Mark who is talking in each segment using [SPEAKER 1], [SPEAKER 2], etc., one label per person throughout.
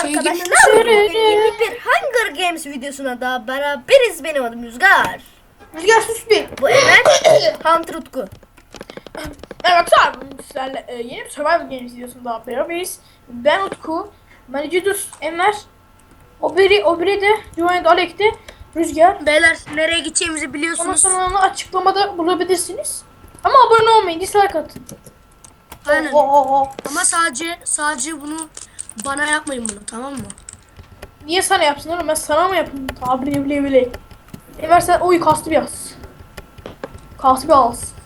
[SPEAKER 1] arkadaşlar. Yeni bir Hunger Games videosuna daha beraberiz. Benim adım Rüzgar.
[SPEAKER 2] Rüzgar sus bir.
[SPEAKER 1] Bu Emel. Hunter Utku.
[SPEAKER 2] Evet abi sizlerle yeni bir Survival Games videosunda beraberiz. Ben Utku, Manicidus, Enver, Obiri de, Joanne Alek'te, Rüzgar.
[SPEAKER 1] Beyler nereye gideceğimizi
[SPEAKER 2] Ama
[SPEAKER 1] biliyorsunuz.
[SPEAKER 2] sonunu açıklamada bulabilirsiniz. Ama abone olmayın, dislike atın.
[SPEAKER 1] Aynen.
[SPEAKER 2] Oo.
[SPEAKER 1] Ama sadece bunu bana yapmayın bunu, tamam mı?
[SPEAKER 2] Niye sana yapsın oğlum? Ben sana mı yapayım? Tabi bile. Enver sen kastı bir yaz. Kastı bir az.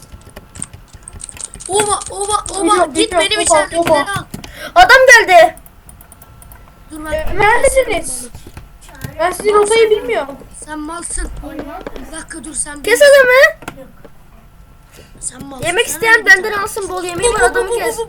[SPEAKER 1] Oba git
[SPEAKER 2] Geliyorum,
[SPEAKER 1] benim
[SPEAKER 2] oba,
[SPEAKER 1] içeridekileri
[SPEAKER 2] oba.
[SPEAKER 1] al. Adam geldi. Dur ben.
[SPEAKER 2] Neredesiniz? Ben sizin rotayı bilmiyorum.
[SPEAKER 1] Sen malsın. Bir dakika dur sen.
[SPEAKER 3] Kes adamı.
[SPEAKER 1] Sen malsın.
[SPEAKER 3] Yemek
[SPEAKER 1] Sen
[SPEAKER 3] isteyen
[SPEAKER 1] bir
[SPEAKER 3] benden
[SPEAKER 1] tane.
[SPEAKER 3] alsın, bol yemeği var, adamı kes.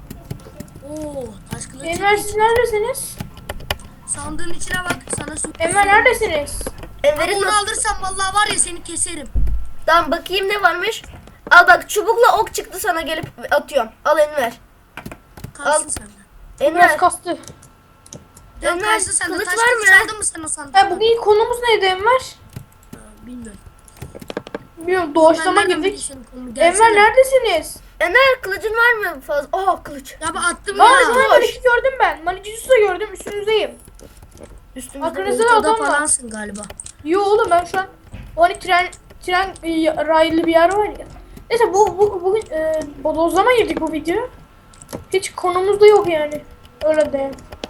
[SPEAKER 1] Oo, taş kılıç.
[SPEAKER 2] Enver siz neredesiniz?
[SPEAKER 1] Sandığın içine bak, sana su.
[SPEAKER 2] Enver neredesiniz?
[SPEAKER 3] Enver'in
[SPEAKER 1] Onu alırsan vallahi var ya seni keserim.
[SPEAKER 3] Tamam, bakayım ne varmış. Al bak, çubukla ok çıktı, sana gelip atıyorum. Al Enver.
[SPEAKER 1] Kalsın
[SPEAKER 3] Al.
[SPEAKER 1] sende.
[SPEAKER 2] Biraz
[SPEAKER 3] Enver.
[SPEAKER 2] kastı.
[SPEAKER 1] Dön
[SPEAKER 3] Enver,
[SPEAKER 1] kalsın sende.
[SPEAKER 3] kılıç
[SPEAKER 1] Taş
[SPEAKER 3] var
[SPEAKER 1] kılıç
[SPEAKER 3] mı?
[SPEAKER 1] aldın mı sen o sandıktan?
[SPEAKER 2] Bugün konumuz neydi Enver?
[SPEAKER 1] Bilmiyorum.
[SPEAKER 2] Bilmiyorum doğaçlama
[SPEAKER 1] Ben nereden
[SPEAKER 2] girdik.
[SPEAKER 1] bileyim konumu?
[SPEAKER 2] Enver
[SPEAKER 1] Gelsene.
[SPEAKER 2] neredesiniz?
[SPEAKER 3] Enver, kılıcın var mı fazla? Oh, kılıç.
[SPEAKER 1] Ya ben attım
[SPEAKER 2] Lan
[SPEAKER 1] ya.
[SPEAKER 2] Enver Malik'i gördüm ben. Manicidus'u da gördüm, üstünüzdeyim.
[SPEAKER 3] Üstümüzde.
[SPEAKER 2] Arkanızda da
[SPEAKER 1] Ortada
[SPEAKER 2] adam var.
[SPEAKER 1] falansın galiba.
[SPEAKER 2] Yo oğlum ben şu an hani tren raylı bir yer var ya. Neyse bugün bodozlama girdik bu video. Hiç konumuzda yok yani. Öyle de.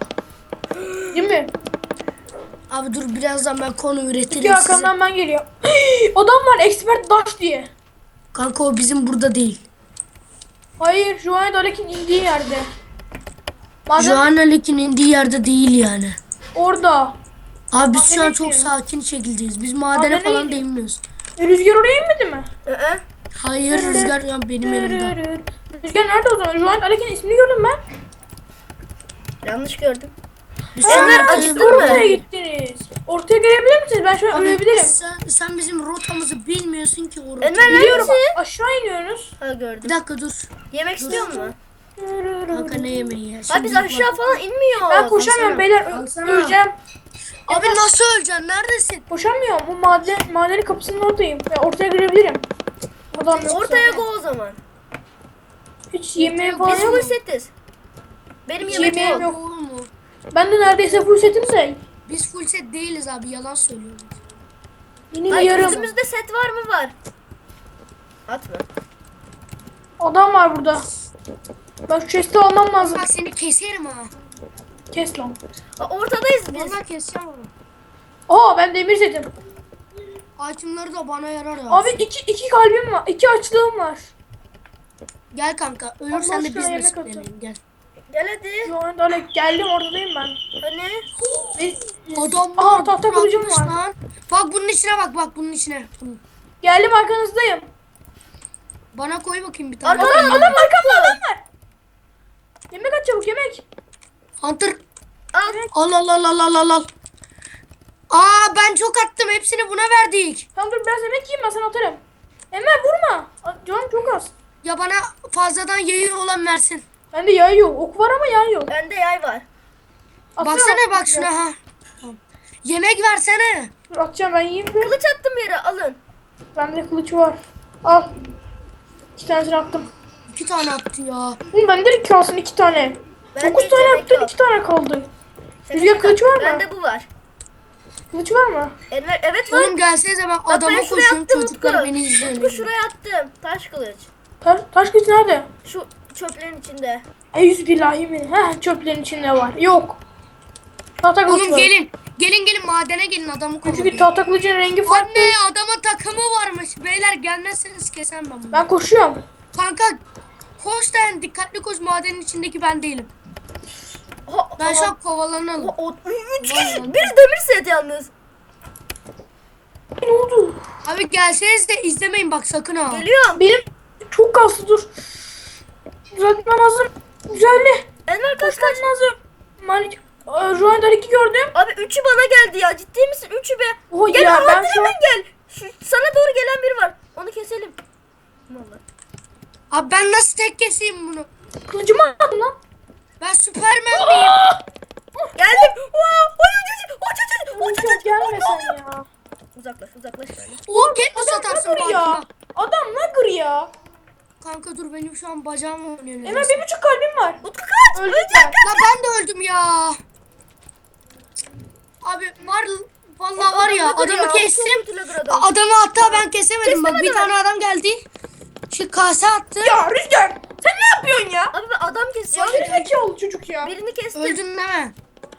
[SPEAKER 2] Değil mi?
[SPEAKER 1] Abi dur birazdan ben konu üretirim
[SPEAKER 2] İki
[SPEAKER 1] size.
[SPEAKER 2] arkamdan ben geliyorum. Adam var expert dash diye.
[SPEAKER 1] Kanka o bizim burada değil.
[SPEAKER 2] Hayır Joanne Dalek'in indiği yerde. Madem
[SPEAKER 1] Joanna Lake'in indiği yerde değil yani.
[SPEAKER 2] orada.
[SPEAKER 1] Abi biz şu an
[SPEAKER 2] Madene
[SPEAKER 1] çok
[SPEAKER 2] gidiyor.
[SPEAKER 1] sakin şekildeyiz. Biz madene
[SPEAKER 2] Madene
[SPEAKER 1] falan
[SPEAKER 2] gidiyor.
[SPEAKER 1] değmiyoruz.
[SPEAKER 2] Rüzgar oraya inmedi mi?
[SPEAKER 1] Hayır rüzgar ya benim elimde.
[SPEAKER 2] Rüzgar nerede o zaman? Joanne Dalek'in ismini gördüm ben.
[SPEAKER 3] Yanlış gördüm.
[SPEAKER 1] Biz şu an
[SPEAKER 3] Enver,
[SPEAKER 1] haritayı
[SPEAKER 3] acıktın
[SPEAKER 1] bulamadık.
[SPEAKER 3] mı?
[SPEAKER 2] Oraya gittiniz. Ortaya gelebilir misiniz? Ben şu an
[SPEAKER 1] Abi
[SPEAKER 2] ölebilirim.
[SPEAKER 1] sen bizim rotamızı bilmiyorsun ki o rotayı.
[SPEAKER 3] Enver
[SPEAKER 2] Biliyorum.
[SPEAKER 3] neredesin?
[SPEAKER 2] Aşağı iniyorsunuz.
[SPEAKER 3] Ha, gördüm.
[SPEAKER 1] Bir dakika dur.
[SPEAKER 3] Yemek istiyor musun?
[SPEAKER 1] Kanka ne yemeği ya?
[SPEAKER 3] Ha,
[SPEAKER 1] Şimdi
[SPEAKER 3] biz
[SPEAKER 1] bak.
[SPEAKER 3] aşağı falan inmiyoruz.
[SPEAKER 2] Ben koşamıyorum beyler.
[SPEAKER 1] Alsana.
[SPEAKER 2] Öleceğim.
[SPEAKER 1] Abi nasıl öleceksin? Neredesin?
[SPEAKER 2] Koşamıyorum. Bu madenin kapısının oradayım. Ya ortaya girebilirim. Adam yoksa.
[SPEAKER 3] Ortaya go o zaman.
[SPEAKER 2] Hiç yemeğim falan
[SPEAKER 3] Biz
[SPEAKER 2] yok.
[SPEAKER 3] full setiz. Benim
[SPEAKER 2] Hiç
[SPEAKER 3] yemek
[SPEAKER 2] yemeğim
[SPEAKER 3] yok.
[SPEAKER 2] yok.
[SPEAKER 1] Olur mu?
[SPEAKER 2] Ben de neredeyse full setimse.
[SPEAKER 1] Biz full set değiliz abi yalan söylüyoruz.
[SPEAKER 2] Yine
[SPEAKER 3] Ay,
[SPEAKER 2] yarım.
[SPEAKER 3] üstümüzde set var mı? Var. Atma.
[SPEAKER 2] Adam var burada. Ben şu chest'i almam lazım.
[SPEAKER 1] Bak seni keserim ha.
[SPEAKER 2] Kes lan.
[SPEAKER 3] Ha, ortadayız biz.
[SPEAKER 1] Vallahi keseceğim onu.
[SPEAKER 2] Aa ben demir setim.
[SPEAKER 1] Itemları da bana yarar ya.
[SPEAKER 2] Abi iki kalbim var. 2 açlığım var.
[SPEAKER 1] Gel kanka ölürsen
[SPEAKER 2] Allah
[SPEAKER 1] de
[SPEAKER 2] aşkına
[SPEAKER 1] biz
[SPEAKER 2] yemek
[SPEAKER 1] nasiplenelim gel.
[SPEAKER 3] Gel hadi.
[SPEAKER 2] Şu anda öyle geldim ortadayım ben.
[SPEAKER 3] Hani?
[SPEAKER 1] Adam
[SPEAKER 2] Aa, tahta kılıcım
[SPEAKER 1] bırakmış
[SPEAKER 2] var.
[SPEAKER 1] lan. Bak bunun içine bak bunun içine.
[SPEAKER 2] Geldim arkanızdayım.
[SPEAKER 1] Bana koy bakayım bir tane.
[SPEAKER 3] Adam
[SPEAKER 2] Adam arkamda adam var. Yemek at çabuk yemek.
[SPEAKER 1] Hunter.
[SPEAKER 3] Al.
[SPEAKER 1] Al. Aa ben çok attım hepsini buna verdik.
[SPEAKER 2] Tamam dur biraz yemek yiyeyim ben sana atarım. Enver vurma. Canım çok az.
[SPEAKER 1] Ya bana fazladan yayı olan versin.
[SPEAKER 2] Bende yay yok. Ok var ama yay yok.
[SPEAKER 3] Bende yay var.
[SPEAKER 2] Atsana
[SPEAKER 1] Baksana bak
[SPEAKER 2] biraz.
[SPEAKER 1] şuna ha. Tamam. Yemek versene.
[SPEAKER 2] Dur atacağım ben yiyeyim bir.
[SPEAKER 3] Kılıç attım yere, alın.
[SPEAKER 2] Bende kılıç var. Al. 2 tanesini attım.
[SPEAKER 1] 2 tane attı ya.
[SPEAKER 2] Oğlum bende de kalsın 2 tane.
[SPEAKER 3] Bende
[SPEAKER 2] 9
[SPEAKER 3] hiç
[SPEAKER 2] tane
[SPEAKER 3] yemek
[SPEAKER 2] attım
[SPEAKER 3] yok.
[SPEAKER 2] 2 tane kaldı.
[SPEAKER 3] Senin
[SPEAKER 2] Rüzgar kılıç var mı?
[SPEAKER 3] Bende bu var.
[SPEAKER 2] Kılıç var mı?
[SPEAKER 3] Enver, evet var.
[SPEAKER 1] Oğlum gelsenize ben
[SPEAKER 3] Bak, ben
[SPEAKER 1] adama
[SPEAKER 3] şuraya
[SPEAKER 1] koşuyorum
[SPEAKER 3] attım
[SPEAKER 1] çocuklar
[SPEAKER 3] Utku.
[SPEAKER 1] beni izliyor.
[SPEAKER 3] Utku şuraya attım. Taş kılıç.
[SPEAKER 2] Taş kılıç nerede?
[SPEAKER 3] Şu çöplerin içinde.
[SPEAKER 2] Eyyüzbillahi min. Heh çöplerin içinde var. Yok. Tahta kılıç
[SPEAKER 1] Oğlum
[SPEAKER 2] var.
[SPEAKER 1] gelin madene gelin adamı
[SPEAKER 2] Çünkü
[SPEAKER 1] kovalım.
[SPEAKER 2] tahta kılıcın rengi farklı.
[SPEAKER 1] Anne adama takımı varmış. Beyler gelmezseniz kesem ben bunu.
[SPEAKER 2] Ben koşuyorum.
[SPEAKER 1] Kanka koş den dikkatli koş madenin içindeki ben değilim.
[SPEAKER 3] Ha,
[SPEAKER 1] Ben şu an kovalanalım.
[SPEAKER 3] Üç kişi. Biri demir set yalnız.
[SPEAKER 2] Ne oldu?
[SPEAKER 1] Abi gelseniz de izlemeyin bak sakın ha.
[SPEAKER 3] Geliyorum.
[SPEAKER 2] Benim çok kaslı dur. Düzeltmem lazım. Güzelli.
[SPEAKER 3] Enver kaç
[SPEAKER 2] Koşmam
[SPEAKER 3] kaç.
[SPEAKER 2] lazım. Malik. Şu anda 2 gördüm.
[SPEAKER 3] Abi üçü bana geldi ya. Ciddi misin? Üçü be.
[SPEAKER 2] Oha,
[SPEAKER 3] Gel
[SPEAKER 2] ya,
[SPEAKER 3] Muhammed,
[SPEAKER 2] ben şu
[SPEAKER 3] hemen
[SPEAKER 2] an-
[SPEAKER 3] gel. Sana doğru gelen biri var. Onu keselim. Vallahi.
[SPEAKER 1] Abi ben nasıl tek keseyim bunu?
[SPEAKER 2] Kılıcımı attım lan.
[SPEAKER 1] Ben Süpermen miyim?
[SPEAKER 3] Geldim.
[SPEAKER 2] Çok gelmesen ya.
[SPEAKER 3] Uzaklaş böyle.
[SPEAKER 4] O Katniss atarsın
[SPEAKER 2] Nagır ya.
[SPEAKER 4] bakma.
[SPEAKER 2] Adam Nagır ya.
[SPEAKER 4] Kanka dur benim şu an bacağım oynuyor.
[SPEAKER 2] Hemen 1,5 kalbim var.
[SPEAKER 3] Utku kaç.
[SPEAKER 2] Öldüm
[SPEAKER 3] Ölecek.
[SPEAKER 2] ben.
[SPEAKER 4] La ben de öldüm ya. Abi vallahi var ya
[SPEAKER 3] Adamı
[SPEAKER 4] adamı kestim.
[SPEAKER 3] Adam.
[SPEAKER 4] Adamı hatta ben kesemedim. Bak bir
[SPEAKER 3] adamı.
[SPEAKER 4] tane adam geldi. Şu kase attı.
[SPEAKER 2] Ya Rüzgar sen ne yapıyorsun ya?
[SPEAKER 3] Abi ben adam
[SPEAKER 2] Ya
[SPEAKER 3] kesiyorum.
[SPEAKER 2] gerizekalı çocuk ya.
[SPEAKER 3] Birini kestim.
[SPEAKER 4] Öldün değil mi?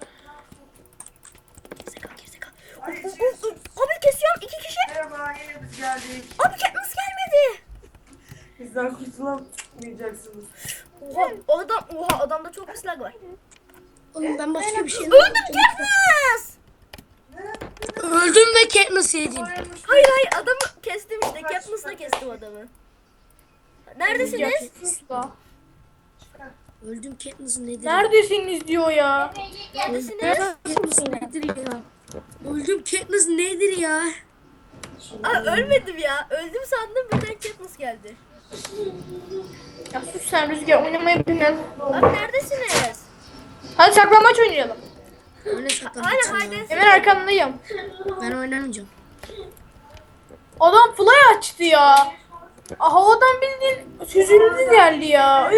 [SPEAKER 3] Gerizekalı. Abi kesiyorum 2 kişi.
[SPEAKER 5] Merhaba, yine biz geldik.
[SPEAKER 3] Abi Katniss gelmedi.
[SPEAKER 5] Bizden kurtulamayacaksınız.
[SPEAKER 3] Oha adamda çok pis lag var.
[SPEAKER 4] Oğlum ben başka bir şey
[SPEAKER 3] Öldüm Katniss.
[SPEAKER 4] Öldüm ve Katniss yedin.
[SPEAKER 3] Hayır adamı kestim işte. Katniss'la kestim adamı. Neredesiniz?
[SPEAKER 2] Sus da.
[SPEAKER 4] Öldüm Katniss nedir?
[SPEAKER 2] Neredesiniz diyor ya.
[SPEAKER 3] Neredesiniz?
[SPEAKER 4] Katniss nedir ya? Öldüm Katniss nedir ya?
[SPEAKER 3] Aa, ölmedim ya. Öldüm sandım birden Katniss geldi.
[SPEAKER 2] Ya sus sen Rüzgar oynamayı bilmem.
[SPEAKER 3] Abi neredesiniz?
[SPEAKER 2] Hadi saklambaç oynayalım.
[SPEAKER 4] Öyle şaka.
[SPEAKER 3] Hala haydi.
[SPEAKER 2] Hemen arkandayım.
[SPEAKER 4] Ben oynamayacağım.
[SPEAKER 2] Adam fly açtı ya. Havadan bildiğin süzüldü geldi ya.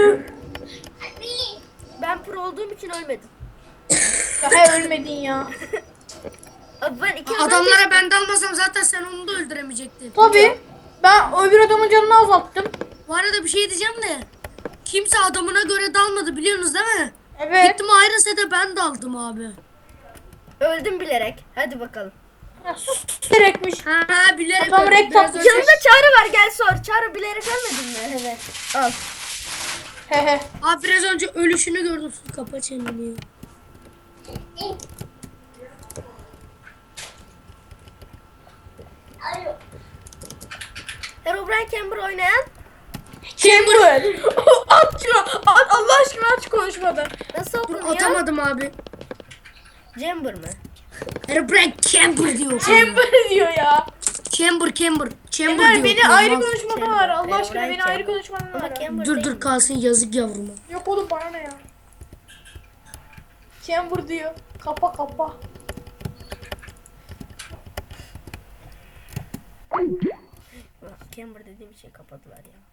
[SPEAKER 3] Ben pro olduğum için ölmedim.
[SPEAKER 2] Ya he ölmedin ya.
[SPEAKER 3] Abi ben iki adam
[SPEAKER 4] Adamlara ben dalmasam zaten sen onu da öldüremeyecektin.
[SPEAKER 2] Tabii. Ben öbür adamın canını azalttım.
[SPEAKER 4] Bu arada bir şey diyeceğim de. Kimse adamına göre dalmadı biliyorsunuz değil mi?
[SPEAKER 2] Evet.
[SPEAKER 4] Gittim Iron Set'e ben daldım abi.
[SPEAKER 3] öldüm bilerek. Hadi bakalım.
[SPEAKER 2] Ya sus gerekmiş.
[SPEAKER 4] Ha bilerek
[SPEAKER 2] Adam
[SPEAKER 4] öldüm.
[SPEAKER 2] renk
[SPEAKER 4] Biraz
[SPEAKER 2] tatlı.
[SPEAKER 4] önce-
[SPEAKER 3] Yanında Çağrı var gel sor. Çağrı bilerek ölmedin mi? Evet. Al.
[SPEAKER 2] Hehe.
[SPEAKER 4] Abi biraz önce ölüşünü gördüm. Kapa çeneni.
[SPEAKER 3] Herobrine Camber oynayan
[SPEAKER 2] Chamber. At şunu. At Allah aşkına aç konuşmadan.
[SPEAKER 3] nasıl
[SPEAKER 4] Dur
[SPEAKER 3] okunuyor?
[SPEAKER 4] atamadım abi.
[SPEAKER 3] Camber mı?
[SPEAKER 4] Herobrine Camber diyor.
[SPEAKER 2] Chamber diyor ya.
[SPEAKER 4] Camber. Camber
[SPEAKER 2] Ömer
[SPEAKER 4] diyor.
[SPEAKER 2] beni
[SPEAKER 4] Olmaz.
[SPEAKER 2] ayrı konuşmada var. Allah aşkına
[SPEAKER 3] Herobrine
[SPEAKER 2] beni ayrı
[SPEAKER 3] Chamber.
[SPEAKER 2] konuşmada
[SPEAKER 3] Ama
[SPEAKER 2] var.
[SPEAKER 3] Camber
[SPEAKER 4] Dur
[SPEAKER 3] değil
[SPEAKER 4] dur
[SPEAKER 3] mi?
[SPEAKER 4] kalsın yazık yavruma.
[SPEAKER 2] Yok oğlum bana ne ya. Chamber diyor. Kapa kapa.
[SPEAKER 3] Camber dediğim şey kapadılar ya.